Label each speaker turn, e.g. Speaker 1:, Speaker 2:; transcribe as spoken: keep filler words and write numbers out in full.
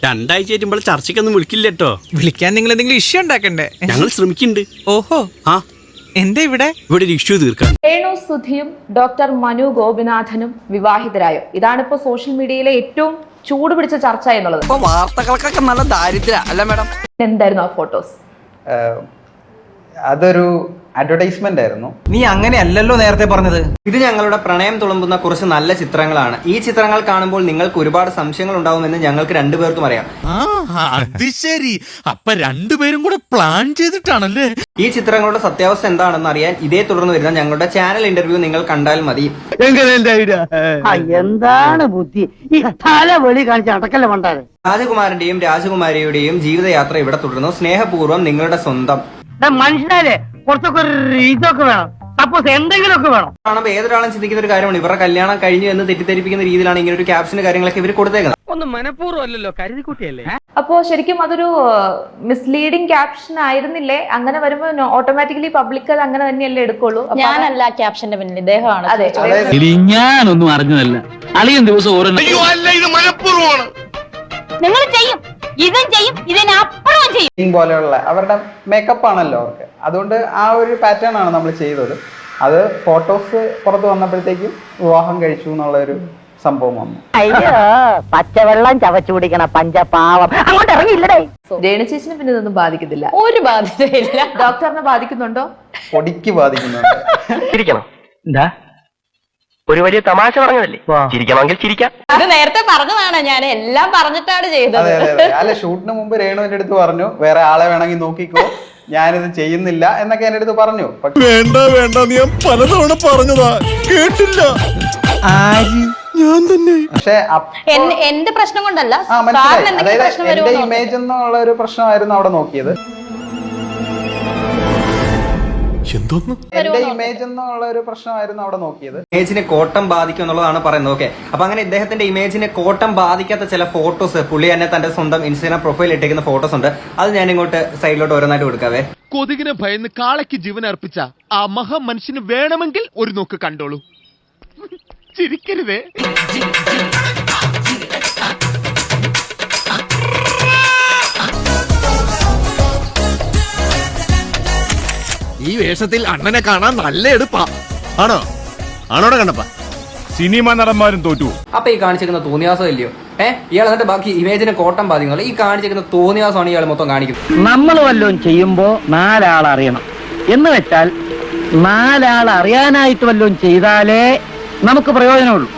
Speaker 1: രണ്ടാഴ്ച ആയിട്ടുമ്പോൾ ചർച്ചയ്ക്കൊന്നും വിളിക്കില്ല കേട്ടോ.
Speaker 2: വിളിക്കാൻ നിങ്ങൾ എന്തെങ്കിലും ഇഷ്യൂ ഉണ്ടാക്കണ്ടേ?
Speaker 1: ഞങ്ങൾ ശ്രമിക്കുന്നുണ്ട്.
Speaker 2: ഓഹോ,
Speaker 1: ആ
Speaker 2: എന്താ ഇവിടെ
Speaker 1: ഇവിടെ ഒരു ഇഷ്യൂ തീർക്കാൻ.
Speaker 3: രേണു സുധിയും ഡോക്ടർ മനു ഗോപിനാഥനും വിവാഹിതരായോ? ഇതാണിപ്പോ സോഷ്യൽ മീഡിയയിലെ ഏറ്റവും ചൂട് പിടിച്ച ചർച്ച എന്നുള്ളത്.
Speaker 4: വാർത്തകൾക്കൊക്കെ നല്ല ദാരിദ്ര്യം അല്ല മാഡം?
Speaker 3: എന്തായിരുന്നു ആ ഫോട്ടോസ്?
Speaker 5: അതൊരു അഡ്വർടൈസ്മെന്റ് ആയിരുന്നു.
Speaker 4: നീ അങ്ങനെയല്ലല്ലോ നേരത്തെ പറഞ്ഞത്.
Speaker 6: ഇത് ഞങ്ങളുടെ പ്രണയം തുളുമ്പുന്ന കുറച്ച് നല്ല ചിത്രങ്ങളാണ്. ഈ ചിത്രങ്ങൾ കാണുമ്പോൾ നിങ്ങൾക്ക് ഒരുപാട് സംശയങ്ങൾ ഉണ്ടാവുമെന്ന് ഞങ്ങൾക്ക് രണ്ടുപേർക്കും അറിയാം.
Speaker 7: അത് ശരി, അപ്പൊ രണ്ടുപേരും കൂടെ പ്ലാൻ ചെയ്തിട്ടാണല്ലേ?
Speaker 6: ഈ ചിത്രങ്ങളുടെ സത്യാവസ്ഥ എന്താണെന്ന് അറിയാൻ ഇതേ തുടർന്ന് വരുന്ന ഞങ്ങളുടെ ചാനൽ ഇന്റർവ്യൂ നിങ്ങൾ കണ്ടാൽ മതി.
Speaker 8: എന്താണ് ബുദ്ധി ഈ തല വെളി കാണിച്ച അടക്കല്ല മണ്ടാരെ.
Speaker 6: രാജകുമാരന്റെയും രാജകുമാരിയുടെയും ജീവിതയാത്ര ഇവിടെ തുടരുന്നു. സ്നേഹപൂർവ്വം നിങ്ങളുടെ സ്വന്തം.
Speaker 8: മനുഷ്യനാലേ കുറച്ചൊക്കെ ഒരു ഇതൊക്കെ വേണം, സപ്പോസ് എന്തെങ്കിലുമൊക്കെ വേണം.
Speaker 6: കാണുമ്പോൾ ഏതൊരാളും ചിന്തിക്കുന്ന ഒരു കാര്യമാണ്, ഇവരുടെ കല്യാണം കഴിഞ്ഞു എന്ന് തെറ്റിദ്ധരിപ്പിക്കുന്ന രീതിയിലാണ് ഇങ്ങനെ ഒരു ക്യാപ്ഷന് കാര്യങ്ങളൊക്കെ ഇവർ കൊടുത്തേക്കുന്നത്.
Speaker 8: ഒന്നും മനഃപൂർവ്വമല്ലല്ലോ, കരുതിക്കുട്ടിയല്ലേ.
Speaker 3: അപ്പോ ശരിക്കും അതൊരു മിസ്ലീഡിംഗ് ക്യാപ്ഷൻ ആയിരുന്നില്ലേ? അങ്ങനെ വരുമ്പോ ഓട്ടോമാറ്റിക്കലി പബ്ലിക് അത് അങ്ങനെ തന്നെയല്ലേ എടുക്കുള്ളൂ.
Speaker 9: ഞാനല്ല ക്യാപ്ഷന്റെ പിന്നിൽ, ഇദ്ദേഹമാണ്.
Speaker 3: അതെ,
Speaker 8: ഞാനൊന്നും അറിഞ്ഞതല്ല. അളിയൻ ദിവസം ഓരോ
Speaker 9: നിങ്ങൾ ചെയ്യും, ഇതും ചെയ്യും, ഇതിനപ്പുറവും ചെയ്യും
Speaker 5: പോലെയുള്ള അവരുടെ മേക്കപ്പ് ആണല്ലോ അവർക്ക്. അതുകൊണ്ട് ആ ഒരു പാറ്റേൺ ആണ് നമ്മൾ ചെയ്തത്. അത് ഫോട്ടോസ് പുറത്ത് വന്നപ്പോഴത്തേക്കും വിവാഹം കഴിച്ചു എന്നുള്ള ഒരു സംഭവം വന്നു.
Speaker 8: അയ്യോ, പച്ചവെള്ളം ചവച്ചു കുടിക്കണ പഞ്ചപാവം അങ്ങോട്ട് ഇറങ്ങിയില്ലടേ.
Speaker 3: രേണു ചേച്ചിനെ പിന്നെ ഇതൊന്നും ബാധിക്കത്തില്ല.
Speaker 9: ഒരു ബാധ്യതയില്ല.
Speaker 3: ഡോക്ടറിനെ ബാധിക്കുന്നുണ്ടോ?
Speaker 5: പൊടിക്ക് ബാധിക്കുന്നുണ്ട്.
Speaker 8: ചിരിക്കണം. എന്താ ഒരു വലിയ തമാശ പറഞ്ഞതല്ലേ, ചിരിക്കണമെങ്കിൽ ചിരിക്കാം.
Speaker 9: അത് നേരത്തെ പറഞ്ഞതാണ്, ഞാൻ എല്ലാം പറഞ്ഞിട്ടാണ് ചെയ്തത്.
Speaker 5: അതെ അതെ അതെ അല്ല, ഷൂട്ടിന് മുമ്പ് രേണു എന്റെ അടുത്ത് പറഞ്ഞു വേറെ ആളെ വേണമെങ്കിൽ നോക്കിക്കോ, ഞാനിത് ചെയ്യുന്നില്ല എന്നൊക്കെ എന്റെ അടുത്ത് പറഞ്ഞു.
Speaker 7: വേണ്ട വേണ്ട, ഞാൻ പലതവണ പറഞ്ഞതാ, കേട്ടില്ല. ഞാൻ തന്നെ.
Speaker 5: പക്ഷെ
Speaker 9: എന്റെ പ്രശ്നം കൊണ്ടല്ല,
Speaker 5: ആ മനസ്സിലായി. അതായത് എന്റെ ഇമേജ് എന്നുള്ള ഒരു പ്രശ്നമായിരുന്നു അവിടെ നോക്കിയത്.
Speaker 7: എന്തോന്ന്
Speaker 5: എന്റെ ഇമേജ് എന്നുള്ള ഒരു പ്രശ്നമായിരുന്നു അവിടെ നോക്കിയത്.
Speaker 6: ഇമേജിനെ കോട്ടം ബാധിക്കും എന്നുള്ളതാണ് പറയുന്നത്. ഓക്കെ, അപ്പൊ അങ്ങനെ ഇദ്ദേഹത്തിന്റെ ഇമേജിനെ കോട്ടം ബാധിക്കാത്ത ചില ഫോട്ടോസ് പുള്ളി തന്നെ തന്റെ സ്വന്തം ഇൻസ്റ്റാഗ്രാം പ്രൊഫൈൽ ഇട്ടേക്കുന്ന ഫോട്ടോസ് ഉണ്ട്. അത് ഞാൻ ഇങ്ങോട്ട് സൈഡിലോട്ട് ഓരോന്നായിട്ട് കൊടുക്കാവേ.
Speaker 7: കൊതുകിനെ ഭയന്ന് കാളയ്ക്ക് ജീവൻ അർപ്പിച്ച ആ മഹാ മനുഷ്യന് വേണമെങ്കിൽ ഒരു നോക്ക് കണ്ടോളൂ. ചിരിക്കരുതേ. ഈ വേഷത്തിൽ അണ്ണനെ കാണാൻ നല്ല എടുപ്പാ. ആണോ ആണോടെ കണ്ടപ്പ സിനിമ നടന്മാരും തോറ്റു.
Speaker 6: അപ്പൊ ഈ കാണിച്ചിരിക്കുന്ന തോന്നിയാസം ഇല്ലയോ? ഏഹ് ഇയാൾ എന്നിട്ട് ബാക്കി ഇമേജിനെ കോട്ടം ബാധിക്കുന്നില്ല. ഈ കാണിച്ചിരിക്കുന്ന തോന്നിയാസമാണ് ഇയാൾ മൊത്തം കാണിക്കുന്നത്.
Speaker 8: നമ്മൾ വല്ലതും ചെയ്യുമ്പോ നാലാൾ അറിയണം എന്ന് വെച്ചാൽ നാലാൾ അറിയാനായിട്ട് വല്ലതും ചെയ്താലേ നമുക്ക് പ്രയോജനമുള്ളൂ.